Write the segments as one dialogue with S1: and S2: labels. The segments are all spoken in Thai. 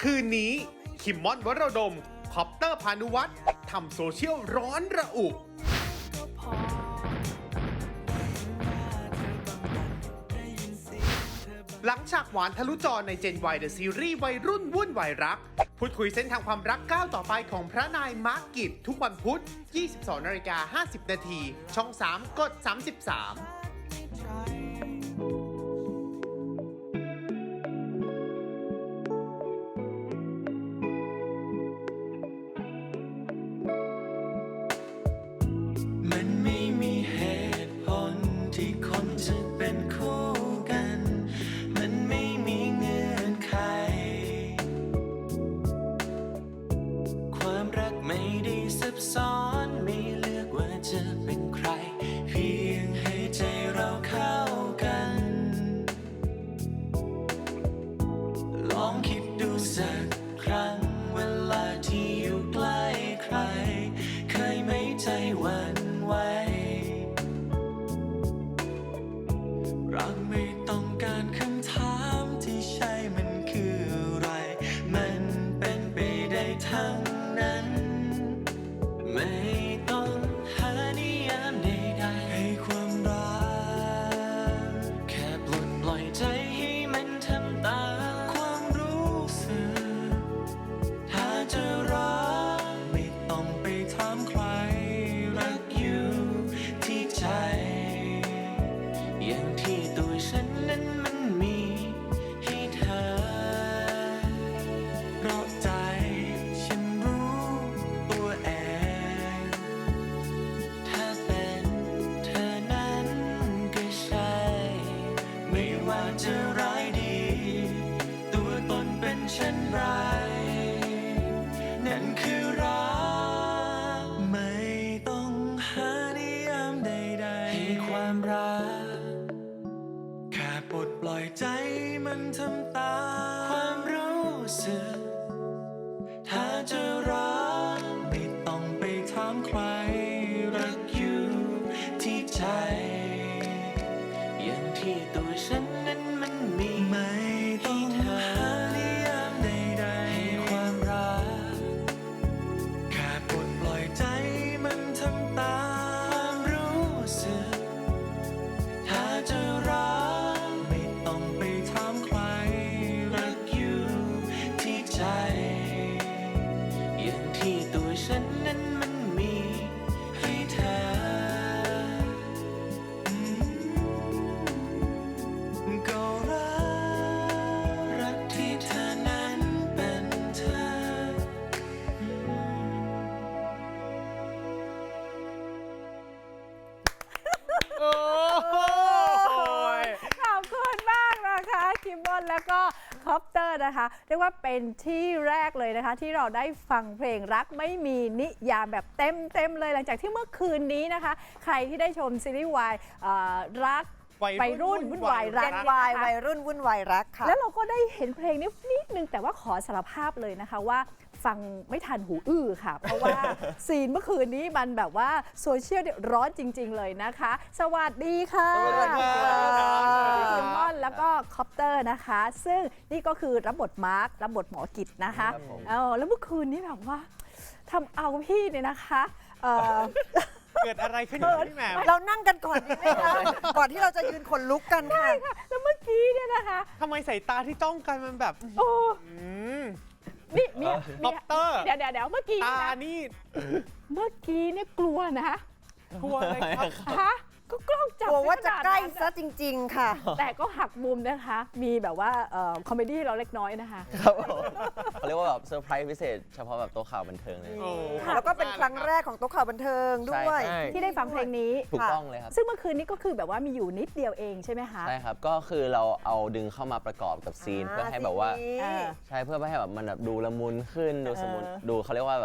S1: คืนนี้คิมมอนวรดมคอปเตอร์พานุวัฒน์ทำโซเชียลร้อนระอุหลังฉากหวานทะลุจอใน Gen Y The Series วัยรุ่นวุ่นวายรักพูดคุยเส้นทางความรักก้าวต่อไปของพระนายมาร์กกิจทุกวันพุธ 22:50 น. ช่อง 3 กด 33
S2: มันไม่มีเหตุผลที่คนจะเป็นคู่กัน มันไม่มีเงื่อนไข ความรักไม่ได้ซับซ้อนไม่เลือกว่าจะเป็นใคร เพียงให้ใจเราเข้ากัน ลองคิดดูสักครั้งเวลาที่อยู่ใกล้ใคร เคยไหมใจหวั่นไหวเราไม่ต้องการคำถามที่ใช่มันคืออะไร มันเป็นไปได้ทั้งนั้น ไม่ต้องหานิยามใดๆให้ความรักแค่ปลดปล่อยใจให้มันทำตามความรู้สึก ถ้าจะรักไม่ต้องไปถามใคร รักอยู่ที่ใจ อย่างที่ตัวฉันนั้นมันมีให้เธอ เพราะใจฉันรู้ตัวเอง ถ้าเป็นเธอนั้นก็ใช่ ไม่ว่าจะร้ายดี ตัวตนเป็นเช่นไร นั่นคือรักไม่ต้องหานิยามใดๆให้ความรัก แค่ปลดปล่อยใจมันทำตามความรู้สึก ถ้าจะรักไม่ต้องไปถามใคร รักอยู่ที่ใจ อย่างที่ตัวฉันนั้นมันมีไม่ต้องหานิยามใดๆให้ความรัก แค่ปลดปล่อยใจมันทำตามความรู้สึก ถ้าจะรักไม่ต้องไปถามใคร รักอยู่ที่ใจ อย่างที่ตัวฉันนั้นมันมีให้เธอ ก็รักที่เธอนั้นเป็นเธอ
S1: โอ้โห
S3: ขอบคุณมากนะคะคิมมอนแล้วก็คอปเตอร์นะคะเรียกว่าเป็นที่แรกเลยนะคะ ที่เราได้ฟังเพลงรักไม่มีนิยามแบบเต็มเลยหลังจากที่เมื่อคืนนี้นะคะ ใครที่ได้ชมซีรีส์วายรักวัยรุ่นวุ่นวายรัก
S4: Gen Y วัยรุ่นวุ่นวายรักค่ะ
S3: แล้วเราก็ได้เห็นเพลงนี้นิดนึงแต่ว่าขอสารภาพเลยนะคะว่าฟังไม่ทันหูอื้อค่ะ เพราะว่า ซีนเมื่อคืนนี้มันแบบว่าโซเชียลเนี่ยร้อนจริง ๆ เลยนะคะ สวัสดีค่ะ
S4: สวัสดีครับ
S3: คิมมอนแล้วก็คอปเตอร์นะคะ ซึ่งนี่ก็คือรับบทมาร์ครับบทหมอกิจนะคะแล้วเมื่อคืนนี้แบบว่าทำเอาพี่เนี่ยนะคะ
S1: เกิดอะไรขึ้นพี่แหม่ม
S4: เรานั่งกันก่อนดีไหมคะก่อนที่เราจะยืนขนลุกกันค่ะ
S3: แล้วเมื่อกี้เนี่ยนะคะ
S1: ทำไมสายตาที่จ้องกันมันแบบ
S3: โอ้
S1: อืม
S3: นี่มี
S1: คอปเตอร์
S3: เดี๋ยวเมื่อกี้
S1: ตา
S3: นะ
S1: นี่
S3: เมื่อกี้เนี่ยกลัวนะ
S1: กลัวอะไรครับ
S3: ฮะก็กล้องจับ
S4: กลัวว่าจะใกล้
S3: ขนาดนั้น
S4: ซะจริง ๆ ค่ะ
S3: แต่ก็หักมุมนะคะ มีแบบว่าคอมเมดี้เราเล็กน้อยนะคะ
S5: ครับผมเขาเรียกว่าแบบเซอร์ไพรส์พิเศษเฉพาะแบบโต๊ะข่าวบันเทิงเลย
S1: โอ้
S4: แล้วก็เป็นครั้งแรกของโต๊ะข่าวบันเทิงด้วย
S5: ใช่
S3: ที่ได้ฟังเพลงนี้
S5: ถูกต้องเลยครับ
S3: ซึ่งเมื่อคืนนี้ก็คือแบบว่ามีอยู่นิดเดียวเองใช่ไหมคะ
S5: ใช่ครับ ก็คือเราเอาดึงเข้ามาประกอบกับซีนเพื่อให้แบบว่า
S4: ซีนนี้
S3: เออ
S5: ใช่เพื่อให้แบบมันแบบดูละมุนขึ้นดูสมุน
S3: เออ
S5: ดูเขาเรียกว่าแบบ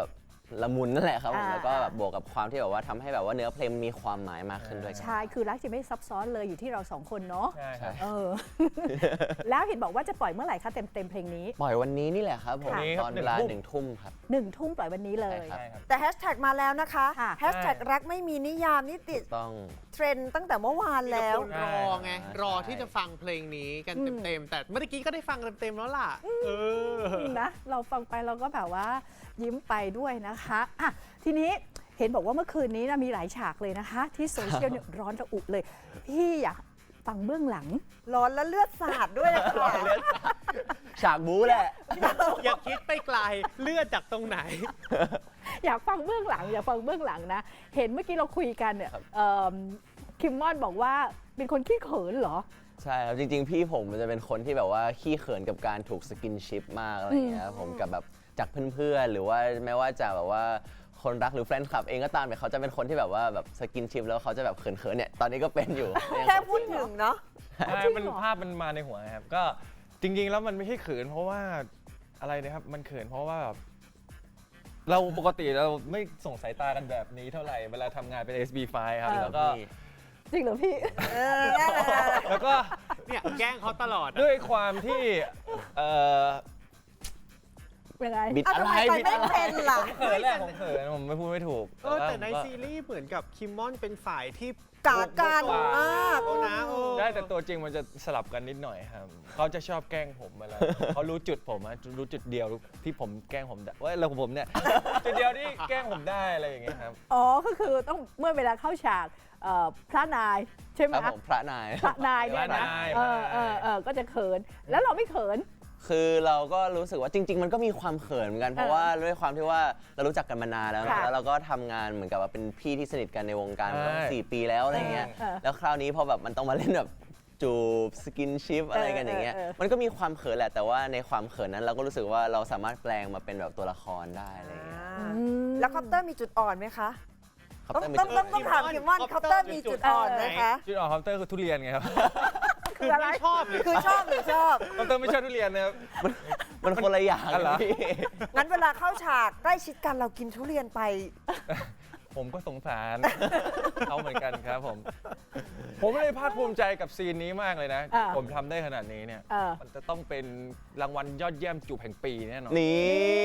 S5: ละมุนนั่นแหละครับผม
S3: อ่า
S5: แล้วก็แบบบวกกับความที่แบบว่าทำให้แบบว่าเนื้อเพลงมีความหมายมากขึ้นด้วยครับ
S3: ใช่คือรักจะไม่ซับซ้อนเลยอยู่ที่เราสองคนเนาะ
S6: ใช่ครับ
S3: เออ แล้วเห็นบอกว่าจะปล่อยเมื่อไหร่คะเต็มเพลงนี้
S5: ปล่อยวันนี้นี่แหละครับผม
S6: วันนี้ครับ
S5: ตอนเวลา
S6: 1
S5: 1 ทุ่มครับ
S3: 1 ทุ่มปล่อยวันนี้เลย
S5: ใช่
S6: ใช่ครับ
S4: แต่แฮชแท็กมาแล้วนะคะ
S3: ค่ะ
S4: แฮชแท็กรักไม่มีนิยามนี่ติด
S5: ต้อง
S4: เทรนด์ตั้งแต่เมื่อวานแล้ว
S1: คนรอไง รอที่จะฟังเพลงนี้กันเต็มๆ แต่เมื่อกี้ก็ได้ฟังเต็มๆแล้วล่ะ
S3: นะเราฟังไปเราก็แบบว่ายิ้มไปด้วยนะคะอ่ะทีนี้เห็นบอกว่าเมื่อคืนนี้นะมีหลายฉากเลยนะคะ ที่โซเชียลเนี่ยร้อนระอุเลย พี่อยากฟังเบื้องหลัง
S4: ร้อนและเลือดสาดด้วยนะคะ
S5: ฉากบู๊แหละ
S1: อย่าคิดไปไกลเลือดจากตรงไหน
S3: อยากฟังเบื้องหลัง อยากฟังเบื้องหลังนะ เห็นเมื่อกี้เราคุยกันเนี่ยคิมมอนบอกว่าเป็นคนขี้เขินเหรอ
S5: ใช่ครับ จริง ๆ พี่ผมมันจะเป็นคนที่แบบว่าขี้เขินกับการถูกสกินชิปมากอะไรอย่างเงี้ยครับผมกับแบบจากเพื่อนๆหรือว่าแม้ว่าจะแบบว่าคนรักหรือแฟนคลับเองก็ตามเนี่ยเขาจะเป็นคนที่แบบว่าแบบสกินชิปแล้วเขาจะแบบเขินๆเนี่ยตอนนี้ก็เป็นอยู่
S4: แค่พูดถึงเนาะ
S6: ใช่มันภาพมันมาในหัวนะครับ ก็จริงๆ แล้วมันไม่ใช่เขินเพราะว่าอะไรนะครับ มันเขินเพราะว่าแบบเราปกติเราไม่ส่งสายตากันแบบนี้เท่าไหร่ เวลาทำงานเป็น SB5 ครับ แล้วก็
S3: จริงเหรอพี่
S6: แล้วก็
S1: เนี่ยแกล้งเขาตลอดอะ
S6: ด้วยความที่เออ
S3: ยังไง
S5: บิด
S4: เอา
S5: อะ
S4: ทำ
S5: ไร
S4: ไมไป
S5: บิด
S4: ไม่
S5: อะไร
S4: เป็นล่ะ
S6: เขินแหละผมเขินผมไม่พูดไม่ถูก
S1: แต่ใน
S6: ว่า
S1: ซีรีส์เหมือนกับคิมมอนเป็นฝ่ายที่
S4: กากัน
S1: โกง
S4: อ่า
S1: เขานะ
S6: ได้แต่ตัวจริงมันจะสลับกันนิดหน่อยครับเขาจะชอบแกล้งผมเวลา เขารู้จุดผมอะรู้จุดเดียวที่ผมแกล้งผมได้ว่าเราผมเนี่ย จุดเดียวที่แกล้งผมได้อะไรอย่างเงี้ยครับ
S3: อ๋อ ก็คือต้องเมื่อเวลาเข้าฉากพระนายใช่ไหม
S5: ครับผมพระนาย
S3: พระนายเนี่ยนะ
S6: พระนาย
S3: ก็จะเขิน แล้วเราไม่เขิน
S5: คือเราก็รู้สึกว่าจริง ๆ มันก็มีความเขินเหมือนกันเพราะว่าด้วยความที่ว่าเรารู้จักกันมานานแล้วนะ
S3: ค่ะ
S5: แล้วเราก็ทำงานเหมือนกับว่าเป็นพี่ที่สนิทกันในวงการ
S6: ใช่
S5: มา4 ปีแล้วอะไรเงี้ย
S3: เออ
S5: แล้วคราวนี้พอแบบมันต้องมาเล่นแบบจูบสกินชิปอะไรกันอย่างเงี้ย มันก็มีความเขินแหละแต่ว่าในความเขินนั้นเราก็รู้สึกว่าเราสามารถแปลงมาเป็นแบบตัวละครได้อะไรเงี้ย
S4: แล้วคอปเตอร์มีจุดอ่อนไหมคะ
S5: ครับ
S4: ต้อง
S5: แต่ไม่
S4: ต้องต้องต้องถามคิมมอนคอปเตอร์มีจุดอ่อนไหมคะ
S6: จุดอ่อนคอมเตอร์คือทุเรียนไงครับ
S3: คืออะไร
S1: ไม่ชอบเลย
S4: คือชอบหรือชอบ
S6: คอมเตอร์ไม่ชอบทุเรียนนะครับ
S5: มันคนละอย่าง
S6: อ๋อเหรอ
S5: พี่
S4: งั้นเวลาเข้าฉากใกล้ชิดกันเรากินทุเรียนไป
S6: ผมก็สงสาร เขาเหมือนกันครับผม ผมเลยภาคภูมิใจกับซีนนี้มากเลยนะ
S3: อ่า
S6: ผมทำได้ขนาดนี้เนี่ย
S3: เออ
S6: มันจะต้องเป็นรางวัลยอดเยี่ยมจูบแห่งปีแน่นอน
S5: นี่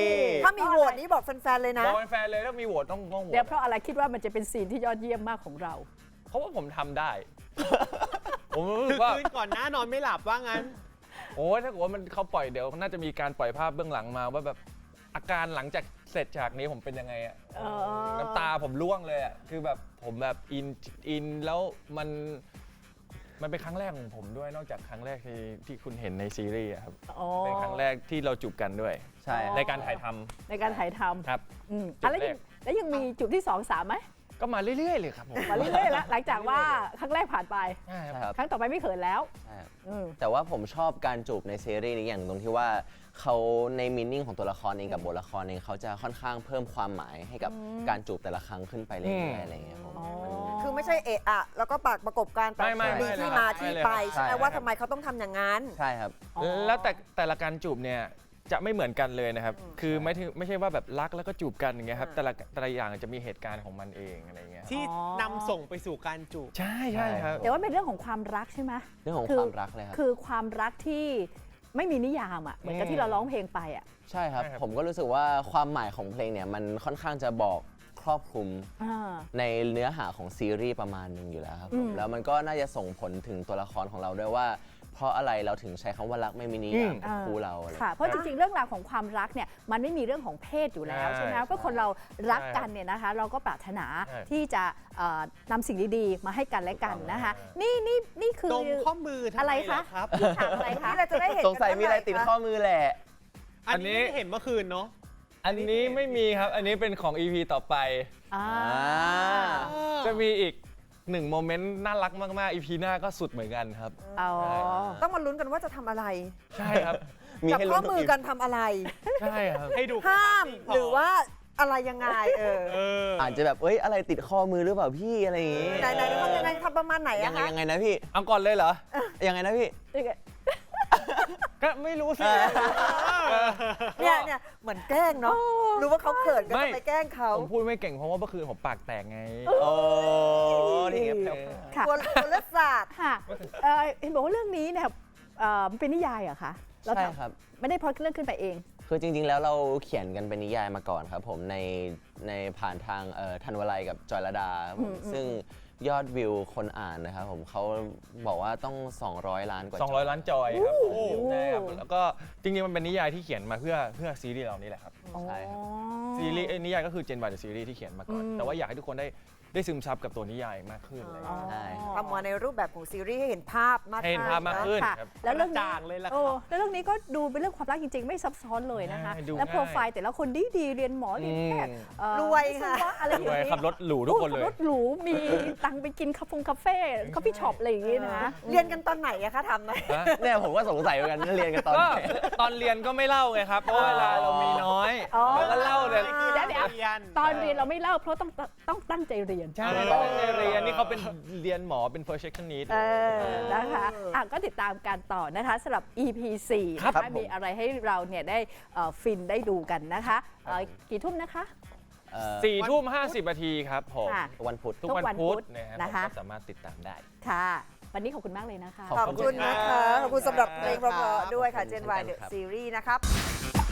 S4: ถ้ามีโหวตนี้บอกแฟนๆเลยนะ
S6: บอกแฟนๆเลยถ้ามีโหวตต้องโหว
S3: เดี๋ยว
S6: ต
S3: เพราะอะไรคิดว่ามันจะเป็นซีนที่ยอดเยี่ยมมากของเรา
S6: เพราะว่าผมทำได้ ผมรู้สึกว่า
S1: คืนก่อนหน้านอนไม่หลับว่างั้น
S6: โอ้ยถ้าเกิดว่ามันเขาปล่อยเดี๋ยวน่าจะมีการปล่อยภาพเบื้องหลังมาว่าแบบอาการหลังจากเสร็จฉากนี้ผมเป็นยังไงอะ
S3: เออ
S6: น้ำตาผมร่วงเลยอะคือแบบผมแบบอินแล้วมันเป็นครั้งแรกของผมด้วยนอกจากครั้งแรกที่คุณเห็นในซีรีส์อะครับ
S3: อ๋อ
S6: เป็นครั้งแรกที่เราจูบกันด้วย
S5: ใช่
S6: ในการถ่ายทำ
S3: ในการถ่ายท
S6: ครับ
S3: ำอืม
S6: จุด
S3: แล้ว
S6: แร
S3: ยั
S6: ก
S3: งแล้วยังมีจุดที่ 2 3ไหม
S6: ก็มาเรื่อยๆเลยครับผม
S3: มาเรื่อยๆแล้วหลังจากว่าครั้งแรกผ่านไป
S6: ใช่
S5: ใช่
S6: ครับ
S5: ครับ
S3: ครั้งต่อไปไม่เขินแล้ว
S5: ใช่ครับ
S3: อืม
S5: แต่ว่าผมชอบการจูบในซีรีส์นี้อย่างตรงที่ว่าเขาในมินนิ่งของตัวละครเองกับบทละครเองเขาจะค่อนข้างเพิ่มความหมายให้กับการจูบแต่ละครั้งขึ้นไปเรื่อยๆอะไรอย่างเงี้ยผม
S3: อ๋อ
S4: คือไม่ใช่เอะอะแล้วก็ปากประกบการแต่
S6: ไม่
S4: มีที่มาที่ไปใช่ไหมว่าทำไมเขาต้องทำอย่างนั้น
S5: ใช่ครับ
S3: อ๋อ
S6: แล้วแต่ละการจูบเนี่ยจะไม่เหมือนกันเลยนะครับ คือไม่ใช่ว่าแบบรักแล้วก็จูบกันอย่างเงี้ยครับแต่ละอย่างจะมีเหตุการณ์ของมันเองอะไรเงี้ย
S1: ที่นำส่งไปสู่การจูบ
S6: ใช่ครับ
S3: แต่ว่าเป็นเรื่องของความรักใช่ไหม
S5: เรื่องของ
S3: คื
S5: ความรักเลยครับ
S3: คือความรักที่ไม่มีนิยามอ่ะเหมือนกับที่เราร้องเพลงไปอ่ะ
S5: ใช่ครับ
S6: ใช่ครับ
S5: ผมก็รู้สึกว่าความหมายของเพลงเนี่ยมันค่อนข้างจะบอกครอบคลุม
S3: อ่า
S5: ในเนื้อหาของซีรีส์ประมาณหนึงอยู่แล้วครับผ
S3: อื
S5: ม
S3: ม
S5: แล้วมันก็น่าจะส่งผลถึงตัวละครของเราด้วยว่า เพราะอะไรเราถึงใช้คำว่ารักไม่มีนิยามกับคู่เราอะไร
S3: ค่ะ เพราะจริงๆ เรื่องราวของความรักเนี่ยมันไม่มีเรื่องของเพศอยู่แล้ว
S6: ใช่
S3: ใช่ไหมก็คนเรารักกันเนี่ยนะคะ เราก็ปรารถนา
S6: ใช่
S3: ที่จะนำสิ่งดีๆ มาให้กันและกันนะคะ นี่คือ
S1: ดมข้อมือทำ
S3: อะไร
S1: ไม
S3: คะ
S1: ล่ะครับ
S3: นี่ฉากอะไรคะ
S4: นี่เราจะได้เห็น
S5: สงสัยมีอะไรติดข้อมือแหละ
S1: อันนี้ไม่ได้เห็นเมื่อคืนเนาะ
S6: อันนี้ไม่มีครับ อันนี้เป็นของ EP ต่อไป
S3: อ่า
S6: จะมีอีก1โมเมนต์น่ารักมากๆ EP หน้าก็สุดเหมือนกันครับ
S3: อ๋อ
S4: ต้องมาลุ้นกันว่าจะทำอะไร
S6: ใช่ครับ
S5: มี
S4: จับ
S5: ให้
S4: ข้
S5: ลุ้
S4: อน
S5: ทุก
S4: มือ
S5: อี
S4: กันทำอะไร
S6: ใช่ครับ
S1: ให้ดู
S4: ห้าม
S1: พ
S4: หรือว่าอะไรยังไง
S1: เออ
S5: อาจจะแบบเอ้ยอะไรติดข้อมือหรือเปล่าพี่อะไรอย่างงี้
S4: ไหนทำยังไงทำประมาณไหน
S5: ยั
S4: อะ
S5: งไง
S4: คะ
S5: ยังไงนะพี่
S6: เอาก่อนเลยเหรอ
S5: ยังไงนะพี่
S6: ก็ไม่รู้สิ
S4: เนี่ยเหมือนแกล้งเนาะรู้ว่าเขาเขินก็จะไปแกล้งเขา
S6: ผมพูดไม่เก่งเพราะว่าเมื่อคืนผมปากแตกไง
S5: โอ้นี่ไงแผ่ว
S3: ค่ะ
S4: กลัวเลือดสาด
S3: ค่ะเห็นบอกว่าเรื่องนี้เนี่ยมันเป็นนิยายเหรอคะ
S5: ๆ
S3: เรา
S5: ใช่
S3: ทำ
S5: ครับ
S3: ไม่ได้พล็อตเรื่องขึ้นไปเอง
S5: คือจริงๆ แล้วเราเขียนกันเป็นนิยายมาก่อนครับผมในผ่านทางธันวลัยกับจอยลดาครับผมซึ่งยอดวิวคนอ่านนะครับผมเขาบอกว่าต้อง 200 ล้านกว่าจอย
S6: 200 ล้านจอยครับผมใช่ครับแล้วก็จริงๆ มันเป็นนิยายที่เขียนมาเพื่อซีรีส์เรานี่แหละครับ
S5: ใช่ครับ
S6: ซีรีส์นิยายก็คือ Gen Y The Series ที่เขียนมาก่อน แต่ว่าอยากให้ทุกคนได้ซึมซับกับตัวนิยายมากขึ้นอะไรอย่างเงี้ย
S5: ใช่
S4: ทำมาในรูปแบบของซีรีส์ให้เห็นภาพมาก
S6: ให้เห็นภาพมากขึ้น
S3: ค่ะ
S6: ครับ
S3: แล้วเรื่องนี้
S1: กระจ่างเลยล่ะครับ
S3: โอ้แล้วเรื่องนี้ก็ดูเป็นเรื่องความรักจริงๆ ไม่ซับซ้อนเลยนะคะ
S6: ใช่ดู
S3: แล้ว
S6: ง่าย
S3: โปรไฟล์แต่ละคนดีๆเรียนหมอเรียนแพทย์
S4: รวย
S3: วิศ
S4: ค่ะ
S3: วะอะไรอย่าง
S6: รวย
S3: นี้
S6: ขับรถหรูทุกคนเลย
S3: ขับรถหรูมีตังค์ไปกินคาเฟ่คอฟฟี่ช็อปอะไรอย่างนี้นะ
S4: เรียนกันตอนไหนอะคะทำไหม
S5: เนี่ยผมก็สงสัยเหมือนกันเรียนกันตอน
S6: ก็
S5: ไหน
S6: ตอนเรียนก็ไม่เล่าไงครับ เพราะเวลาเรามีน้อย
S3: อ๋อ
S6: เราก็เล่าแต่
S3: เดี๋ยวตอนเรียนเราไม่เล่าเพราะต้องตั้งใจเรียน
S6: ใช่ก็ตั้งใจเรียนนี่เขาเป็นเรียนหมอเป็น perfectionist
S3: นะคะก็ติดตามกันต่อนะคะสำหรับ EP 4
S6: ครับ
S3: นะคะมีอะไรให้เราเนี่ยได้ฟินได้ดูกันนะคะกี่ทุ่มนะคะ
S6: 4 ทุ่ม 50 นาทีครับผม
S3: ค่ะ
S5: วันพุธ
S6: ทุกวันพุธ
S3: นะ
S6: นะคะ คะก็สามารถติดตามได้
S3: ค่ะ วันนี้ขอบคุณมากเลยนะคะ
S5: ขอบ
S4: ขอบคุณนะคะ ขอบคุณสำหรับเพลงเพราะๆด้วยค่ะ Gen Y
S5: เช่น
S4: The
S5: กันครับ
S4: Series นะครับ